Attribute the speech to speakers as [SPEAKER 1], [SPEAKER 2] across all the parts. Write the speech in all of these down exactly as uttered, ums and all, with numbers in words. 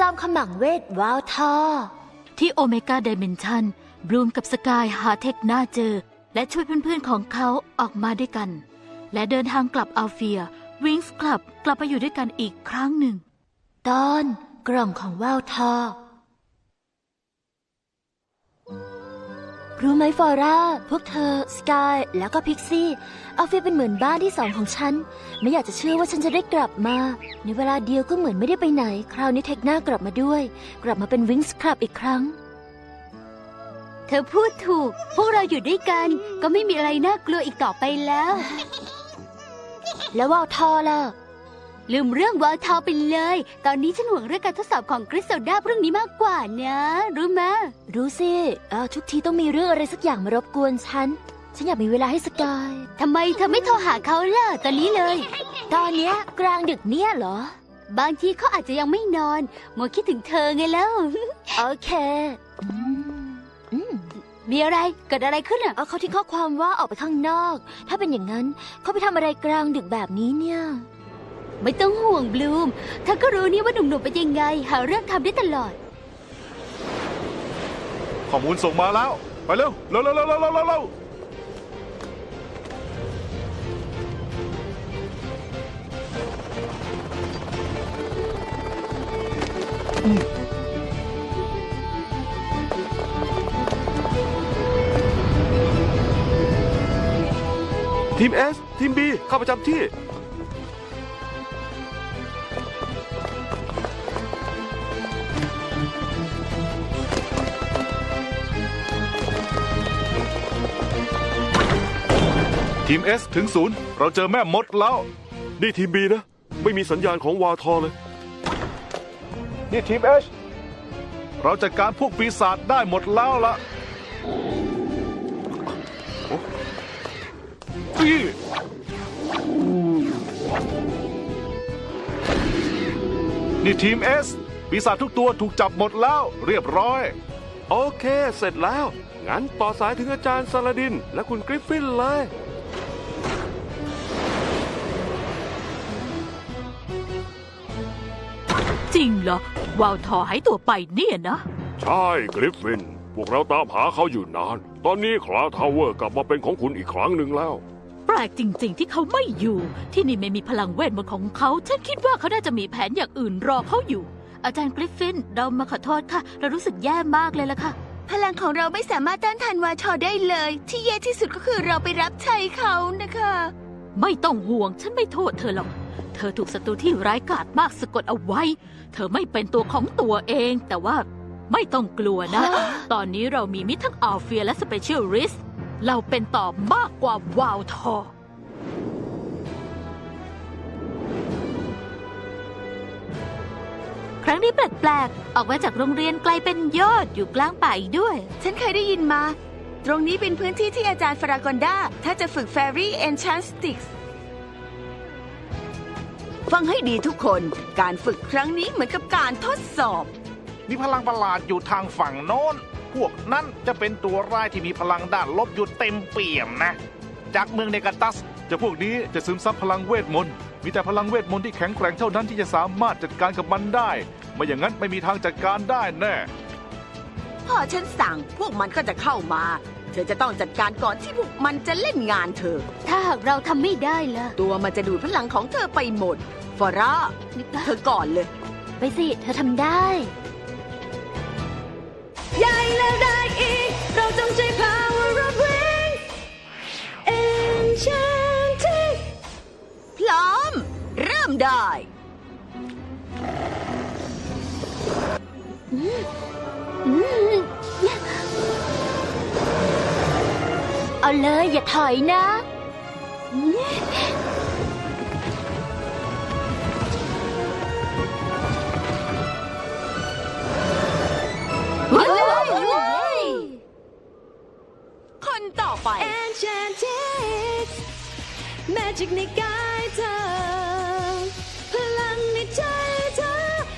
[SPEAKER 1] จอมขมังเวทวาวทอ
[SPEAKER 2] ที่โอเมก้าไดเมนชันบลูมกับสกายหาเทคน่าเจอและช่วยเพื่อนๆของเขาออกมาด้วยกันและเดินทางกลับอัลเฟียวิงส์คลับกลับไปอยู่ด้วยกันอีกครั้งหนึ่ง
[SPEAKER 1] ตอนกล่องของวาวทอรู้ไหมฟอร่าพวกเธอสกายแล้วก็พิกซี่อัลเฟียเป็นเหมือนบ้านที่สองของฉันไม่อยากจะเชื่อว่าฉันจะได้กลับมาในเวลาเดียวก็เหมือนไม่ได้ไปไหนคราวนี้เทคน่ากลับมาด้วยกลับมาเป็นวิงส์คลับอีกครั้ง
[SPEAKER 2] เธอพูดถูกพวกเราอยู่ด้วยกันก็ไม่มีอะไรน่ากลัวอีกต่อไปแล้ว
[SPEAKER 1] แล้ววาวทอล่ะ
[SPEAKER 2] ลืมเรื่องวาวทอไปเลยตอนนี้ฉันห่วงเรื่องการทดสอบของกริซเซลดาพรุ่งนี้มากกว่านะรู้ไหม
[SPEAKER 1] รู้สิเออทุกทีต้องมีเรื่องอะไรสักอย่างมารบกวนฉันฉันอยากมีเวลาให้สกาย
[SPEAKER 2] ทำไมเธอไม่โทรหาเขาล่ะตอนนี้เลย
[SPEAKER 1] ตอนเนี้ยกลางดึกเนี่ยเหร
[SPEAKER 2] อบางทีเขาอาจจะยังไม่นอนมัวคิดถึงเธอไงแล้ว
[SPEAKER 1] โอเค
[SPEAKER 2] มีอะไรเกิดอะไรขึ้นอ่ะ
[SPEAKER 1] เอาเขาทิ้งข้อความว่าออกไปข้างนอกถ้าเป็นอย่างนั้นเขาไปทำอะไรกลางดึกแบบนี้เนี่ย
[SPEAKER 2] ไม่ต้องห่วงบลูมเธอก็รู้นี่ว่าหนุ่มๆเป็นยังไงหาเรื่องทำได้ตลอด
[SPEAKER 3] ข้อมูลส่งมาแล้วไปเร็วเร็วเร็วเร็วเร็วเร็วเร็วทีม S ทีม B เข้าประจำที่ทีม S ถึงศูนย์เราเจอแม่มดแล้วนี่ทีม B นะไม่มีสัญญาณของวาทอเลยนี่ทีม H เราจัดการพวกปีศาจได้หมดแล้วล่ะนี่ทีม S ปีศาจทุกตัวถูกจับหมดแล้วเรียบร้อยโอเคเสร็จแล้วงั้นต่อสายถึงอาจารย์ซาลาดินและคุณกริฟฟินเลย
[SPEAKER 2] จริงเหรอวาวทอหายตัวไปเนี่ยนะ
[SPEAKER 4] ใช่กริฟฟินพวกเราตามหาเขาอยู่นานตอนนี้คลาทาวเวอร์กลับมาเป็นของคุณอีกครั้งหนึ่งแล้ว
[SPEAKER 2] แปลกจริงๆที่เขาไม่อยู่ที่นี่ไม่มีพลังเวทมนต์ของเขาฉันคิดว่าเขาน่าจะมีแผนอย่างอื่นรอเขาอยู่อาจารย์กริฟฟินเรามาขอโทษค่ะเรารู้สึกแย่มากเลยล่ะค่ะ
[SPEAKER 1] พลังของเราไม่สามารถต้านทานวาทอได้เลยที่แย่ที่สุดก็คือเราไปรับใช้เขานะคะ
[SPEAKER 2] ไม่ต้องห่วงฉันไม่โทษเธอหรอกเธอถูกศัตรูที่ร้ายกาจมากสะกดเอาไว้เธอไม่เป็นตัวของตัวเองแต่ว่าไม่ต้องกลัวนะ ตอนนี้เรามีมิตรทั้งอัลเฟียและสเปเชียลริสเราเป็นต่อมากกว่าวาวทอครั้งนี้แปลกๆออกมาจากโรงเรียนไกลเป็นยอดอยู่กลางป่าอีกด้วย
[SPEAKER 1] ฉันเคยได้ยินมาตรงนี้เป็นพื้นที่ที่อาจารย์ฟารากอนดาถ้าจะฝึกแฟรี่เอนชันสติกส์ฟังให้ดีทุกคนการฝึกครั้งนี้เหมือนกับการทดสอบ
[SPEAKER 5] มีพลังประหลาดอยู่ทางฝั่งโน้นพวกนั้นจะเป็นตัวร้ายที่มีพลังด้านลบอยู่เต็มเปี่ยมนะจากเมืองเนกาตัส
[SPEAKER 3] จะพวกนี้จะซึมซับพลังเวทมนต์มีแต่พลังเวทมนต์ที่แข็งแกร่งเท่านั้นที่จะสามารถจัดการกับมันได้ไม่อย่างนั้นไม่มีทางจัดการได้แน่
[SPEAKER 1] พ่อฉันสั่งพวกมันก็จะเข้ามาเธอจะต้องจัดการก่อนที่พวกมันจะเล่นงานเธอ
[SPEAKER 2] ถ้าหากเราทำไม่ได้ล่ะ
[SPEAKER 1] ตัวมันจะดูดพลังของเธอไปหมดฟอร่าเธอก่อนเลยไปสิเธอทำได้ใหญ่แล้วได้อีกเราจงใจ power of wings enchanted พร้อมเริ่มได้เอาเลยอย่าถอยนะคนต่อไป
[SPEAKER 6] Enchanted Magic ในกายเธอพลังในใจเธอ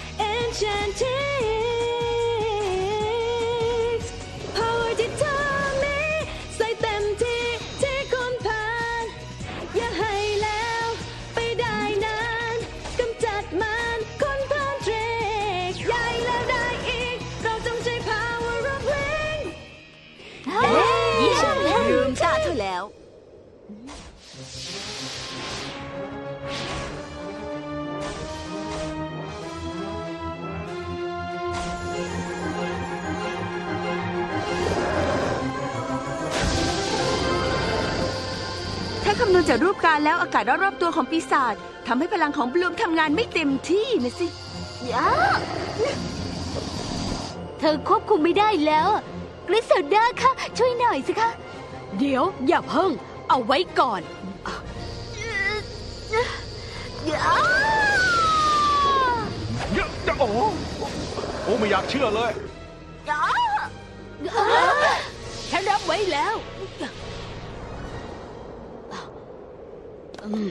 [SPEAKER 6] Enchanted Power ที่เธอมีใส่เต็มที่ที่คนผ่านอย่าให้แล้วไปได้นานกำจัดมันคนผ่านเทรกใหญ่งตาเธอแล้ว ถ้าคำนวณจากรูปการแล้วอากาศรอบๆตัวของปีศาจทำให้พลังของบลูมทำงานไม่เต็มที่นะสิ
[SPEAKER 1] ย่าเธอควบคุมไม่ได้แล้วกริซเซลดาค่ะ ช่วยหน่อยสิคะ
[SPEAKER 2] เดี๋ยวอย่าเพิ่ง เอาไว้ก่อน
[SPEAKER 1] ย่า
[SPEAKER 3] เยอะจะโอ้โหโอ้ไม่อยากเชื่อเลย
[SPEAKER 1] ย่า
[SPEAKER 2] ฉันรับไว้แล้วอืม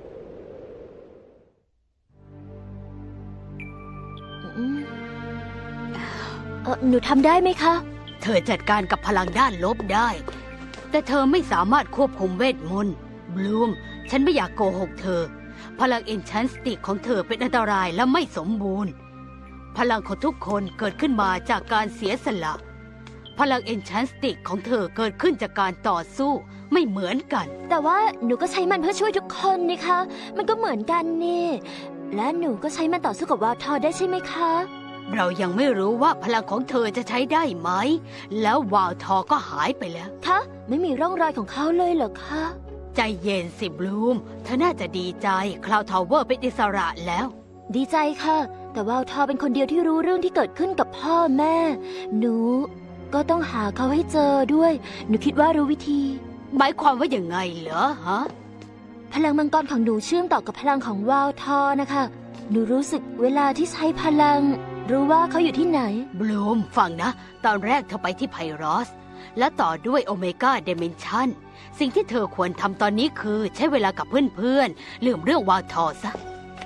[SPEAKER 1] อืมเอ่อหนูทำได้ไหมคะ
[SPEAKER 2] เธอจัดการกับพลังด้านลบได้ แต่เธอไม่สามารถควบคุมเวทมนต์บลูม ฉันไม่อยากโกหกเธอ พลังเอนชันสติกของเธอเป็นอันตรายและไม่สมบูรณ์ พลังของทุกคนเกิดขึ้นมาจากการเสียสละ พลังเอนชันสติกของเธอเกิดขึ้นจากการต่อสู้ไม่เหมือนกัน
[SPEAKER 1] แต่ว่าหนูก็ใช้มันเพื่อช่วยทุกคนนี่คะ มันก็เหมือนกันนี่ และหนูก็ใช้มันต่อสู้กับวาวทอได้ใช่ไหมคะ
[SPEAKER 2] เรายังไม่รู้ว่าพลังของเธอจะใช้ได้ไหม แล้ววาวทอก็หายไปแล้ว
[SPEAKER 1] คะ ไม่มีร่องรอยของเขาเลยเหรอคะ
[SPEAKER 2] ใจเย็นสิบลูม เธอน่าจะดีใจคลาวทาวเวอร์เป็นอิสระแล้ว
[SPEAKER 1] ดีใจค่ะ แต่วาวทอเป็นคนเดียวที่รู้เรื่องที่เกิดขึ้นกับพ่อแม่ หนูก็ต้องหาเขาให้เจอด้วย หนูคิดว่ารู้วิธี
[SPEAKER 2] หมายความว่าอย่างไงเหรอฮะ
[SPEAKER 1] พลังมังกรของหนูเชื่อมต่อกับพลังของวาวทอนะคะ หนูรู้สึกเวลาที่ใช้พลัง รู้ว่าเขาอยู่ที่ไหน
[SPEAKER 2] บลูมฟังนะ ตอนแรกเธอไปที่ไพรอส และต่อด้วยโอเมก้าเดเมนชันสิ่งที่เธอควรทำตอนนี้คือใช้เวลากับเพื่อนๆลืมเรื่องวาวทอซะ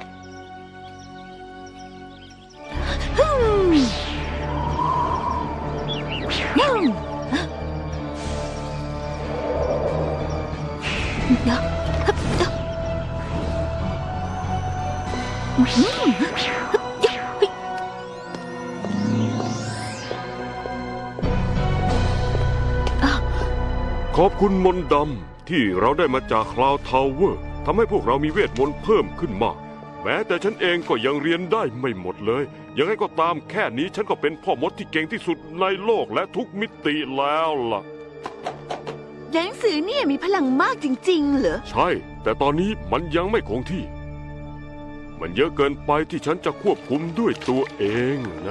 [SPEAKER 4] ขอบคุณมนต์ดำที่เราได้มาจากคลาวทาวเวอร์ทำให้พวกเรามีเวทมนต์เพิ่มขึ้นมาก แม้แต่ฉันเองก็ยังเรียนได้ไม่หมดเลย ยังไงก็ตามแค่นี้ฉันก็เป็นพ่อมดที่เก่งที่สุดในโลกและทุกมิติแล้วล่ะ
[SPEAKER 6] หนังสือเนี่ยมีพลังมากจริงๆเหรอ
[SPEAKER 4] ใช่ แต่ตอนนี้มันยังไม่คงที่ มันเยอะเกินไปที่ฉันจะควบคุมด้วยตัวเองนะ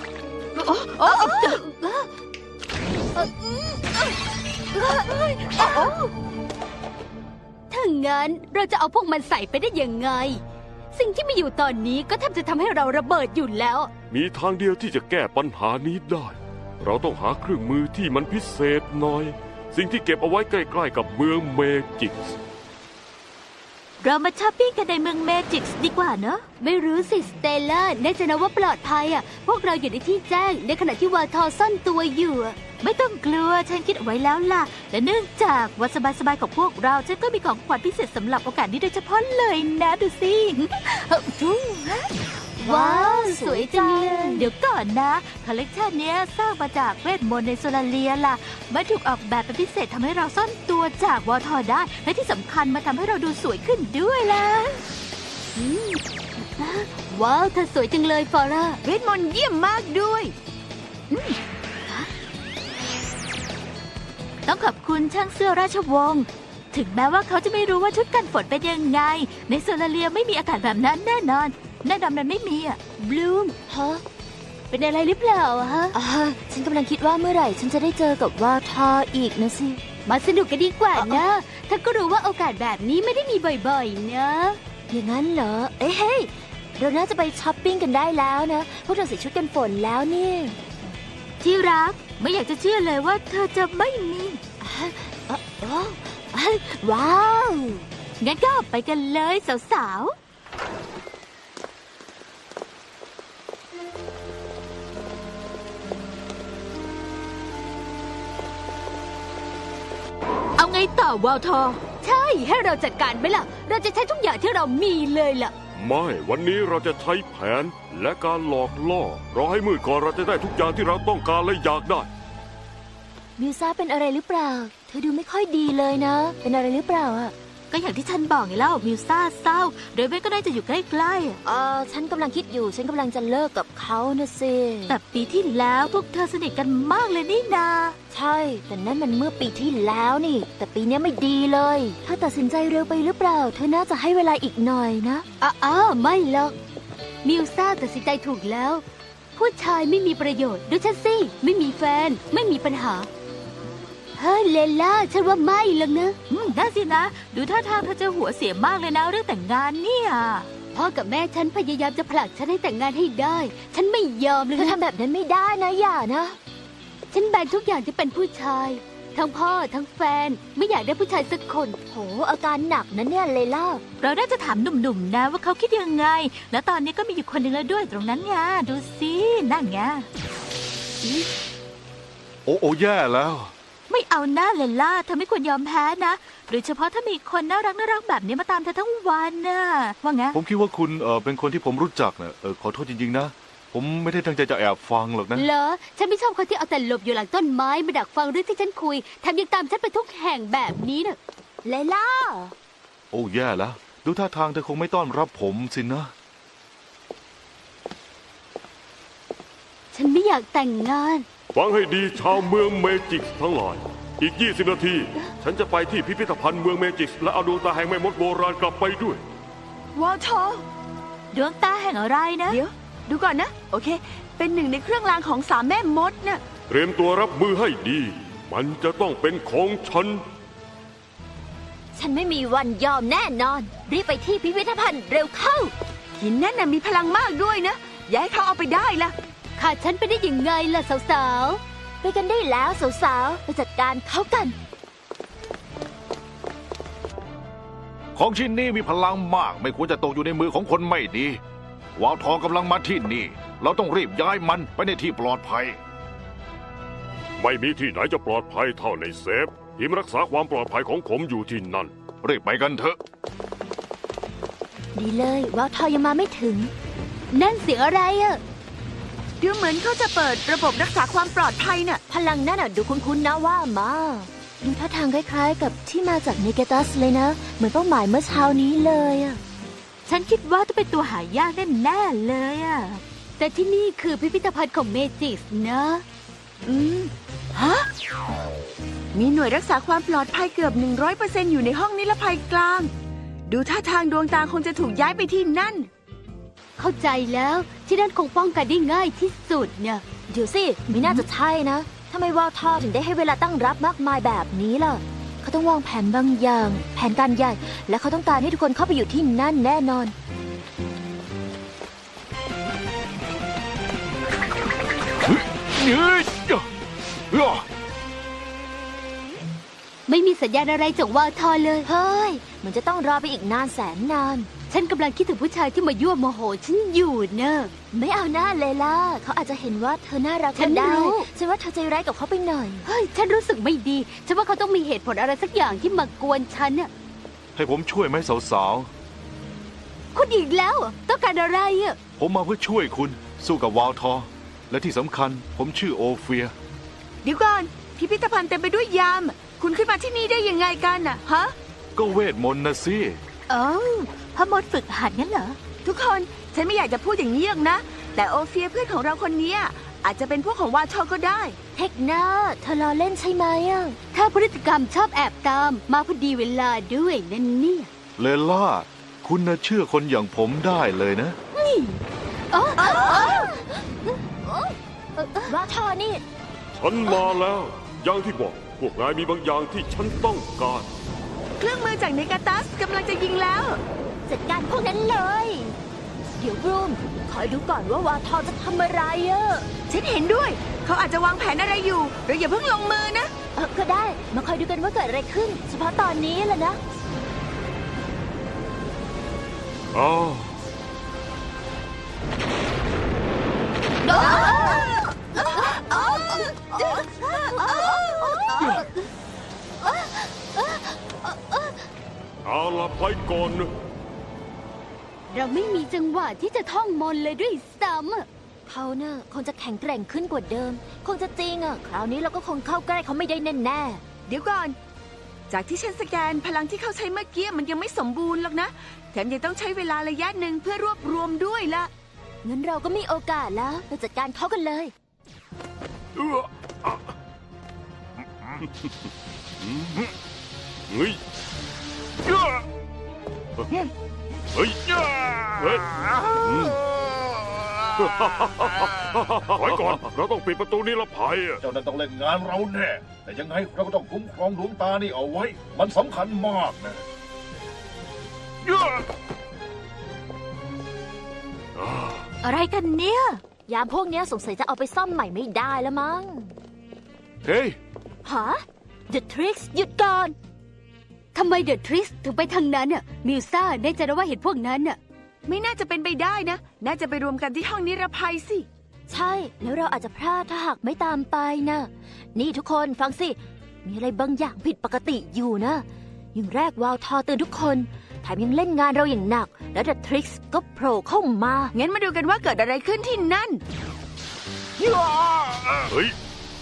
[SPEAKER 2] ถ้างั้นเราจะเอาพวกมันใส่ไปได้ยังไง สิ่งที่มีอยู่ตอนนี้ก็แทบจะทำให้เราระเบิดอยู่แล้ว
[SPEAKER 4] มีทางเดียวที่จะแก้ปัญหานี้ได้ เราต้องหาเครื่องมือที่มันพิเศษหน่อย สิ่งที่เก็บเอาไว้ใกล้ๆกับเมืองเมจิกส์
[SPEAKER 2] เรามาช้อปปิ้งกันในเมืองเมจิกส์ดีกว่าเนอะไม่รู้สิสเตลล่าแน่ใจนะว่าปลอดภัยอ่ะ พวกเราอยู่ในที่แจ้งในขณะที่วาทอซ่อนตัวอยู่อะไม่ต้องกลัวฉันคิดเอาไว้แล้วล่ะและเนื่องจากวันสบายๆของพวกเราฉันก็มีของขวัญพิเศษสำหรับโอกาสนี้โดยเฉพาะเลยนะดูสิ
[SPEAKER 1] ว้าวสวยจัง
[SPEAKER 2] เดี๋ยวก่อนนะคอลเลกชันเนี้ยสร้างมาจากเวทมนต์ในโซลาเลียล่ะมันถูกออกแบบเป็นพิเศษทำให้เราซ่อนตัวจากวอทอได้ และที่สำคัญมาทำให้เราดูสวยขึ้นด้วยล่ะอืมว้าวเธอสวยจังเลยฟอร่า
[SPEAKER 6] เวทมนต์เยี่ยมมากด้วย
[SPEAKER 2] ต้องขอบคุณช่างเสื้อราชวงศ์ถึงแม้ว่าเขาจะไม่รู้ว่าชุดกันฝนเป็นยังไง ในโซลาเลียไม่มีอากาศแบบนั้นแน่นอนแน่นอนมันไม่มีอ่ะบลูม
[SPEAKER 1] ฮะ
[SPEAKER 2] เป็นอะไรหรือเปล่าอะฮะ
[SPEAKER 1] อ่าฉันกำลังคิดว่าเมื่อไหร่ฉันจะได้เจอกับวาวทออีกนะสิ
[SPEAKER 2] มาสนุกกันดีกว่านะถ้าก็รู้ว่าโอกาสแบบนี้ไม่ได้มีบ่อยๆนะ
[SPEAKER 1] อย่างนั้นเหรอ เอ้ยเฮ้ยเราน่าจะไปช้อปปิ้งกันได้แล้วนะ พวกเราใส่ชุดกันฝนแล้วนี่
[SPEAKER 2] ที่รักไม่อยากจะเชื่อเลยว่าเธอจะไม่มี
[SPEAKER 1] เอ้อเอ้อเอ้ยว้าว
[SPEAKER 2] งั้นก็ไปกันเลยสาวๆเอาไงต่อวาวทอ ใช่ให้เราจัดการไหมล่ะ เราจะใช้ทุกอย่างที่เรามีเลยล่ะ
[SPEAKER 4] ไม่วันนี้เราจะใช้แผนและการหลอกล่อรอให้มืดก่อนเราจะได้ทุกอย่างที่เราต้องการและอยากได้
[SPEAKER 1] มิวซ่าเป็นอะไรหรือเปล่า เธอดูไม่ค่อยดีเลยนะ เป็นอะไรหรือเปล่าอ่ะ
[SPEAKER 2] ก็อย่างที่ฉันบอกไงเล่ามิวซ่าเศร้าเรเบนก็ได้จะอยู่ใกล้ๆอะ
[SPEAKER 1] เออฉันกำลังคิดอยู่ ฉันกำลังจะเลิกกับเขานะสิ
[SPEAKER 2] แต่ปีที่แล้วพวกเธอสนิทกันมากเลยนี่นา
[SPEAKER 1] ใช่ แต่นั่นมันเมื่อปีที่แล้วนี่ แต่ปีนี้ไม่ดีเลย ถ้าตัดสินใจเร็วไปหรือเปล่า เธอน่าจะให้เวลาอีกหน่อยนะอ้าไม่หรอก มิวซ่าตัดสินใจถูกแล้ว ผู้ชายไม่มีประโยชน์ดูฉันสิ ไม่มีแฟน ไม่มีปัญหา เฮ้ยเลล่า ฉันว่าไม่หรอกนะ
[SPEAKER 2] อืมน่าสินะ ดูท่าทางเธอจะหัวเสียมากเลยนะเรื่องแต่งงานเนี่ย
[SPEAKER 1] พ่อกับแม่ฉันพยายามจะผลักฉันให้แต่งงานให้ได้ ฉันไม่ยอมเลยเธอทำแบบนั้นไม่ได้นะอย่านะ ฉันแบนทุกอย่างที่เป็นผู้ชาย ทั้งพ่อทั้งแฟน ไม่อยากได้ผู้ชายสักคน โห อาการหนักนะเนี่ยเลล่า
[SPEAKER 2] เราน่าจะถามหนุ่มๆนะว่าเขาคิดยังไง แล้วตอนนี้ก็มีอยู่คนหนึ่งแล้วด้วยตรงนั้นไงดูสินั่นไง
[SPEAKER 3] โอ้โอ้แย่แล้ว
[SPEAKER 2] ไม่เอาหน้าเลล่าเธอไม่ควรยอมแพ้นะโดยเฉพาะถ้ามีคนน่ารักน่ารักแบบนี้มาตามเธอทั้งวันน่ะว่าไง
[SPEAKER 3] ผมคิดว่าคุณเออเป็นคนที่ผมรู้จักนะเออขอโทษจริงๆนะ ผมไม่ได้ตั้งใจจะแอบฟังหรอกนะ
[SPEAKER 1] เหรอ ฉันไม่ชอบคนที่เอาแต่หลบอยู่หลังต้นไม้มาดักฟังเรื่องที่ฉันคุยแถมยังตามฉันไปทุกแห่งแบบนี้น่ะเลล่า
[SPEAKER 3] โอ้แย่แล้ว ดูท่าทางเธอคงไม่ต้อนรับผมสินะ
[SPEAKER 1] ฉันไม่อยากแต่งงาน
[SPEAKER 4] ฟังให้ดีชาวเมืองเมจิกส์ทั้งหลาย อีก ยี่สิบ นาที ฉันจะไปที่พิพิธภัณฑ์เมืองเมจิกส์และเอาดวงตาแห่งแม่มดโบราณกลับไปด้วย
[SPEAKER 6] วอลทอ
[SPEAKER 2] ดวงตาแห่งอะไรนะ
[SPEAKER 6] เดี๋ยว ดูก่อนนะ โอเค เป็นหนึ่งในเครื่องรางของสามแม่มดน่ะ
[SPEAKER 4] เตรียมตัวรับมือให้ดี มันจะต้องเป็นของฉัน
[SPEAKER 1] ฉันไม่มีวันยอมแน่นอน รีบไปที่พิพิธภัณฑ์เร็วเข้า
[SPEAKER 6] หินนั่นน่ะมีพลังมากด้วยนะ อย่าให้เขาเอาไปได้ล่ะ
[SPEAKER 1] ขาดฉันไปได้ยังไงล่ะสาวๆ ไปกันได้แล้วสาวๆ ไปจัดการเขากัน
[SPEAKER 5] ของชิ้นนี้มีพลังมาก ไม่ควรจะตกอยู่ในมือของคนไม่ดี วาวทองกำลังมาที่นี่ เราต้องรีบย้ายมันไปในที่ปลอดภัย
[SPEAKER 4] ไม่มีที่ไหนจะปลอดภัยเท่าในเซฟ ทีมรักษาความปลอดภัยของผมอยู่ที่นั่น
[SPEAKER 5] รีบไปกันเถอะ
[SPEAKER 1] ดีเลยว่าวทอยังมาไม่ถึง นั่นเสียงอะไรอะ
[SPEAKER 6] ดูเหมือนเขาจะเปิดระบบรักษาความปลอดภัยน่ะ
[SPEAKER 1] พลังนั่นอะดูคุ้นๆนะว่ามาดูท่าทางคล้ายๆ กับที่มาจากเนเกตัสเลยนะ เหมือนเป้าหมายเมื่อเช้านี้เลยอะ
[SPEAKER 2] ฉันคิดว่าต้องเป็นตัวหายากแน่ๆเลยอะ
[SPEAKER 1] แต่ที่นี่คือพิพิธภัณฑ์ของเมจิสนะ
[SPEAKER 6] อืม ฮะ มีหน่วยรักษาความปลอดภัยเกือบ หนึ่งร้อยเปอร์เซ็นต์ อยู่ในห้องนิรภัยกลาง ดูท่าทางดวงตาคงจะถูกย้ายไปที่นั่น
[SPEAKER 1] เข้าใจแล้วที่นั่นคงป้องกันได้ง่ายที่สุดเนี่ย เดี๋ยวสิ ไม่น่าจะใช่นะทำไมวาวทอถึงได้ให้เวลาตั้งรับมากมายแบบนี้ล่ะ เขาต้องวางแผนบางอย่าง แผนการใหญ่ และเขาต้องการให้ทุกคนเข้าไปอยู่ที่นั่นแน่นอน
[SPEAKER 5] เฮ้ยเฮ้ย
[SPEAKER 1] ไม่มีสัญญาณอะไรจากวาวทอเลย เฮ้ย มันจะต้องรอไปอีกนานแสนนาน ฉันกำลังคิดถึงผู้ชายที่มายั่วโมโหฉันอยู่เนอะไม่เอาหน้าเลยล่ะ เขาอาจจะเห็นว่าเธอน่ารัก
[SPEAKER 6] ฉัน
[SPEAKER 1] ก็ได้
[SPEAKER 6] รู้
[SPEAKER 1] ฉันว่าเธอใจร้ายกับเขาไปหน่อย เฮ้ย ฉันรู้สึกไม่ดี ฉันว่าเขาต้องมีเหตุผลอะไรสักอย่างที่มากวนฉันน่ะ
[SPEAKER 3] ให้ผมช่วยไหมสาว
[SPEAKER 1] คุณอีกแล้วเหรอต้องการอะไรอ่ะ
[SPEAKER 3] ๆ ผมมาเพื่อช่วยคุณสู้กับวาวทอ และที่สำคัญผมชื่อโอเฟีย
[SPEAKER 6] เดี๋ยวก่อน พิพิธภัณฑ์เต็มไปด้วยยาม คุณขึ้นมาที่นี่ได้ยังไงกันน่ะ ฮะ
[SPEAKER 3] ก็เวทมนต์นะสิ
[SPEAKER 2] เอ้าพ่อมดฝึกหัดงั้นเหรอ
[SPEAKER 6] ทุกคน ฉันไม่อยากจะพูดอย่างนี้หรอกนะ แต่โอเฟียเพื่อนของเราคนเนี้ยอาจจะเป็นพวกของวาชอก็ได้
[SPEAKER 1] เทคนาเธอล้อเล่นใช่ไหมอ่ะ ถ้าพฤติกรรมชอบแอบตาม มาพอดีเวลาด้วยนั่นเนี่ย
[SPEAKER 3] เลล่า คุณน่ะเชื่อคนอย่างผมได้เลยนะ
[SPEAKER 1] ว่าทอนี่
[SPEAKER 4] ฉันมาแล้ว อย่างที่บอก พวกนายมีบางอย่างที่ฉันต้องการ
[SPEAKER 6] เครื่องมือจากเนกาตัสกำลังจะยิงแล้ว
[SPEAKER 1] จัดการพวกนั้นเลย เดี๋ยวบรูมคอยดูก่อนว่าวาทอจะทำอะไรอ่ะ
[SPEAKER 6] ฉันเห็นด้วย เขาอาจจะวางแผนอะไรอยู่ เราอย่าเพิ่งลงมือนะ
[SPEAKER 1] เออก็ได้ มาคอยดูกันว่าเกิดอะไรขึ้น เฉพาะตอนนี้แหละนะ
[SPEAKER 4] อ้าว เอาละไปก่อนนะ
[SPEAKER 1] เราไม่มีจังหวะที่จะท่องมนต์เลยด้วยซ้ำอะเขาเน่ะคงจะแข็งแกร่งขึ้นกว่าเดิม คงจะจริงอ่ะ คราวนี้เราก็คงเข้าใกล้เขาไม่ได้แน่
[SPEAKER 6] เดี๋ยวก่อน จากที่ฉันสแกนพลังที่เขาใช้เมื่อกี้มันยังไม่สมบูรณ์หรอกนะ แถมยังต้องใช้เวลาระยะหนึ่งเพื่อรวบรวมด้วยละ
[SPEAKER 1] ๆงั้นเราก็มีโอกาสแล้วเราจัดการเขากันเลย
[SPEAKER 4] เอื้ออ่ะเฮ้ยเฮ้ยเฮ้ยเฮ้ยอืมไว้ก่อน เราต้องปิดประตูนิรภัยอะ
[SPEAKER 5] เจ้านั่นต้องเล่นงานเราแน่ แต่ยังไงเราก็ต้องคุ้มครองดวงตานี่เอาไว้ มันสำคัญมากนะ
[SPEAKER 2] อะไรกันเนี่ย
[SPEAKER 1] ยามพวกเนี้ยสงสัยจะเอาไปซ่อมใหม่ไม่ได้แล้วมั้ง
[SPEAKER 3] เฮ้ย
[SPEAKER 1] ฮะ The Tricks หยุดก่อน
[SPEAKER 7] ทำไมเดอะทริสถึงไปทางนั้นน่ะมิวซ่าแน่ใจนะว่าเห็นพวกนั้นน่ะ
[SPEAKER 6] ไม่น่าจะเป็นไปได้นะ น่าจะไปรวมกันที่ห้องนิรภัยสิ
[SPEAKER 1] ใช่ แล้วเราอาจจะพลาดถ้าหากไม่ตามไปนะนี่ทุกคนฟังสิ มีอะไรบางอย่างผิดปกติอยู่นะอย่างแรกวาวทอเตือนทุกคนแถมยังเล่นงานเราอย่างหนัก แล้ว The Tricks ก็โผล่เข้ามา
[SPEAKER 6] งั้นมาดูกันว่าเกิดอะไรขึ้นที่นั่น
[SPEAKER 4] เฮ้ย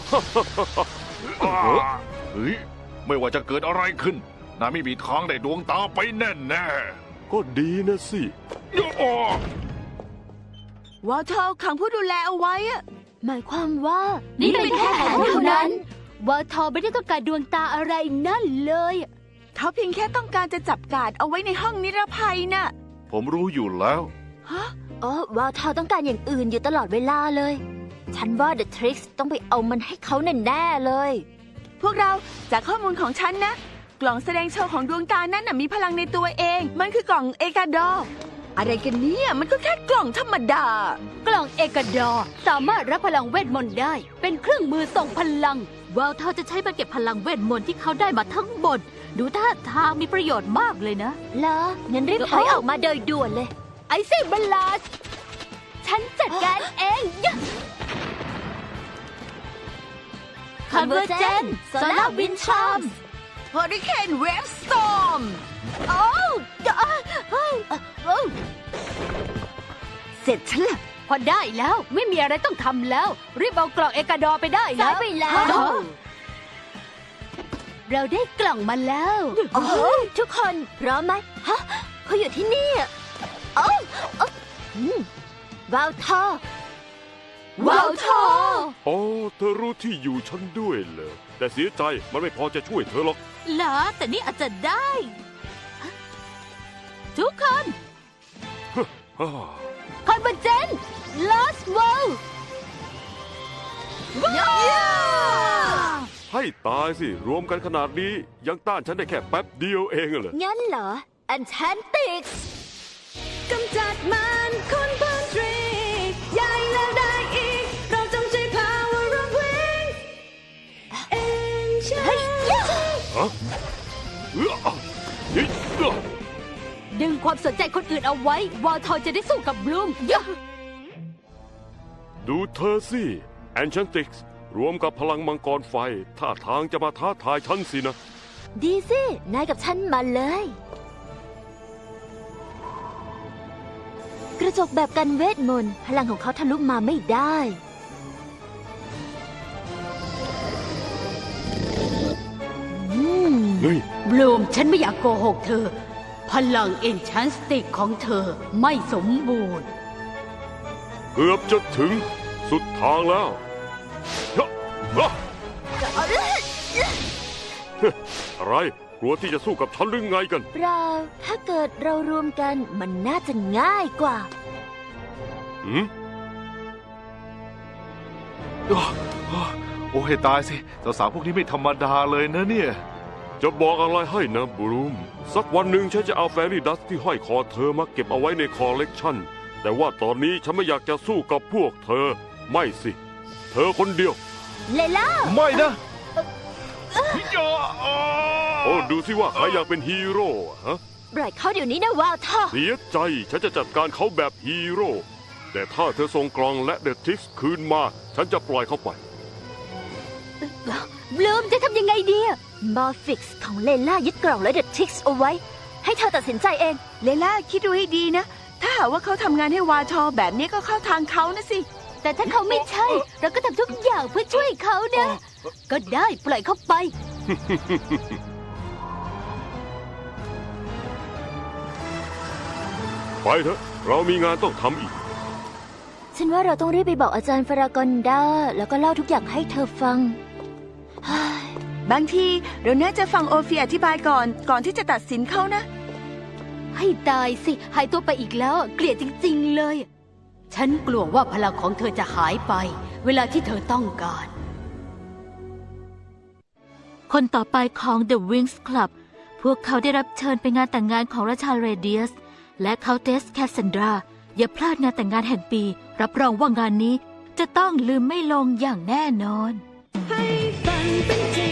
[SPEAKER 5] เฮ้ย ไม่ว่าจะเกิดอะไรขึ้นนายไม่มีทางได้ดวงตาไปแน่แน่
[SPEAKER 4] ก็ดีนะสิ
[SPEAKER 5] ๆย่อ
[SPEAKER 6] วอลเทอร์ขังผู้ดูแลเอาไว้อะ
[SPEAKER 1] หมายความว่า
[SPEAKER 7] นี่
[SPEAKER 1] นี่
[SPEAKER 7] เป็
[SPEAKER 1] เป็น น
[SPEAKER 7] แค่
[SPEAKER 1] แค่
[SPEAKER 7] แผ
[SPEAKER 1] แผ
[SPEAKER 7] น
[SPEAKER 1] น
[SPEAKER 7] เท่า
[SPEAKER 1] เท่า
[SPEAKER 7] นั้
[SPEAKER 1] นั้น น
[SPEAKER 7] วอลทอไม่ได้ต้องการดวงตาอะไรนั่นเลย
[SPEAKER 6] เขาเพียงแค่ต้องการจะจับกาดเอาไว้ในห้องนิรภัยน่ะ
[SPEAKER 3] ผมรู้อยู่แล้ว
[SPEAKER 6] ฮะ
[SPEAKER 1] อ๋อวาวทอต้องการอย่างอื่นอยู่ตลอดเวลาเลย ฉันว่า The Tricks ต้องไปเอามันให้เขาแน่ๆเลย
[SPEAKER 6] พวกเราจากข้อมูลของฉันนะ กล่องแสดงโชว์ของดวงตานั้นน่ะมีพลังในตัวเอง มันคือกล่องเอกาดอร์อะไรกันเนี่ยมันก็แค่กล่องธรรมดา
[SPEAKER 7] กล่องเอกาดอร์สามารถรับพลังเวทมนต์ได้ เป็นเครื่องมือส่งพลัง
[SPEAKER 2] วาวเทาจะใช้มาเก็บพลังเวทมนต์ที่เขาได้มาทั้งหมด ดูท่าทางมีประโยชน์มากเลยนะ
[SPEAKER 1] เหรองั้นรีบถอยออกมาโดยด่วนเลย
[SPEAKER 7] ไอซี่บัลลาสฉันจัดการเองยะ
[SPEAKER 1] Convergent Solar Wind Charm
[SPEAKER 6] เฮอริเคนเวฟสตอร์ม
[SPEAKER 7] โอ้โอ้
[SPEAKER 6] เสร็จฉันละ
[SPEAKER 7] พอได้แล้วไม่มีอะไรต้องทำแล้ว รีบเอากล่องเอกาดอร์ไปได้แล้
[SPEAKER 1] สายว ไปแล้ว
[SPEAKER 7] เราได้กล่องมาแล้ว
[SPEAKER 1] โอ้โหทุกคนพร้อมไหมฮะเขาอยู่ที่นี่อะโอ้โอ้อืมวาวทอ
[SPEAKER 7] วาวทอ
[SPEAKER 4] อ๋อ เธอรู้ที่อยู่ฉันด้วยเหรอ แต่เสียใจมันไม่พอจะช่วยเธอหรอก
[SPEAKER 2] เหรอ แต่นี่อาจจะได้ ทุกคน
[SPEAKER 4] ฮ่า
[SPEAKER 7] คอนเวอร์เจนลอสเวิลด์
[SPEAKER 4] ให้ตายสิ รวมกันขนาดนี้ยังต้านฉันได้แค่แป๊บเดียวเองเหรอ
[SPEAKER 1] งั้นเหรอ Enchantrix
[SPEAKER 7] กำจัดมันคนพันทรีใหญ่แล้วได้อีก เราจงใช้ power of wings
[SPEAKER 1] เฮ้ยยะ
[SPEAKER 4] ฮะเอ้อเฮ้ยเอ้อ
[SPEAKER 7] ดึงความสนใจคนอื่นเอาไว้ วอลทอจะได้สู้กับบลูมยะ
[SPEAKER 4] ดูเธอสิแอนชันติกส์รวมกับพลังมังกรไฟท่าทางจะมาท้าทายฉันสินะ
[SPEAKER 1] ดีสิ นายกับฉันมาเลย กระจกแบบกันเวทมนต์พลังของเขาทะลุมาไม่ได้ อืม
[SPEAKER 4] เฮ้ย
[SPEAKER 7] บลูมฉันไม่อยากโกหกเธอ พลังเอนชันสติกของเธอไม่สมบูรณ์
[SPEAKER 4] เกือบจะถึงสุดทางแล้วยะฮะอะไรกลัวที่จะสู้กับฉันหรือไงกัน
[SPEAKER 1] เรา ถ้าเกิดเรารวมกันมันน่าจะง่ายกว่า
[SPEAKER 4] หืม
[SPEAKER 3] โอ้ให้ตายสิสาวๆพวกนี้ไม่ธรรมดาเลยนะเนี่ย
[SPEAKER 4] จะบอกอะไรให้นะบรูม สักวันหนึ่งฉันจะเอาแฟรี่ดัสที่ห้อยคอเธอมาเก็บเอาไว้ในคอลเลกชันแต่ว่าตอนนี้ฉันไม่อยากจะสู้กับพวกเธอ ไม่สิ เธอคนเดียว
[SPEAKER 1] เลล่า
[SPEAKER 3] ไม่นะ
[SPEAKER 4] โอ้ดูสิว่าใครอยากเป็นฮีโร่อะฮะ
[SPEAKER 1] ปล่อยเขาเดี๋ยวนี้นะวาวทอ
[SPEAKER 4] เสียใจฉันจะจัดการเขาแบบฮีโร่แต่ถ้าเธอส่งกลองและเดอะทิกส์คืนมา ฉันจะปล่อยเขาไป
[SPEAKER 7] บลูมจะทำยังไงดีอะ
[SPEAKER 1] มอร์ฟิกซ์ของเลล่ายึดกล่องและเดอะทิกส์เอาไว้ ให้เธอตัดสินใจเอง
[SPEAKER 6] เลล่าคิดดูให้ดีนะ ถ้าหากว่าเขาทำงานให้วาทอแบบนี้ก็เข้าทางเขานะสิ
[SPEAKER 1] แต่ถ้าเขาไม่ใช่ เราก็ทำทุกอย่างเพื่อช่วยเขานะ ก็ได้ปล่อยเขาไป
[SPEAKER 4] ไปเถอะ เรามีงานต้องทำอีก
[SPEAKER 1] ฉันว่าเราต้องรีบไปบอกอาจารย์ฟารากอนดาแล้วก็เล่าทุกอย่างให้เธอฟัง
[SPEAKER 6] บางทีเราน่าจะฟังโอเฟียอธิบายก่อน ก่อนที่จะตัดสินเขานะ
[SPEAKER 1] ให้ตายสิ หายตัวไปอีกแล้ว เกลียดจริงๆเลย
[SPEAKER 2] ฉันกลัวว่าพลังของเธอจะหายไป เวลาที่เธอต้องการ คนต่อไปของ The Wings Club พวกเขาได้รับเชิญไปงานแต่งงานของราชาเรเดียส และเคาเทสแคสซันดรา อย่าพลาดงานแต่งงานแห่งปี รับรองว่างานนี้จะต้องลืมไม่ลงอย่างแน่นอน
[SPEAKER 7] ให้ฝันเป็นจริง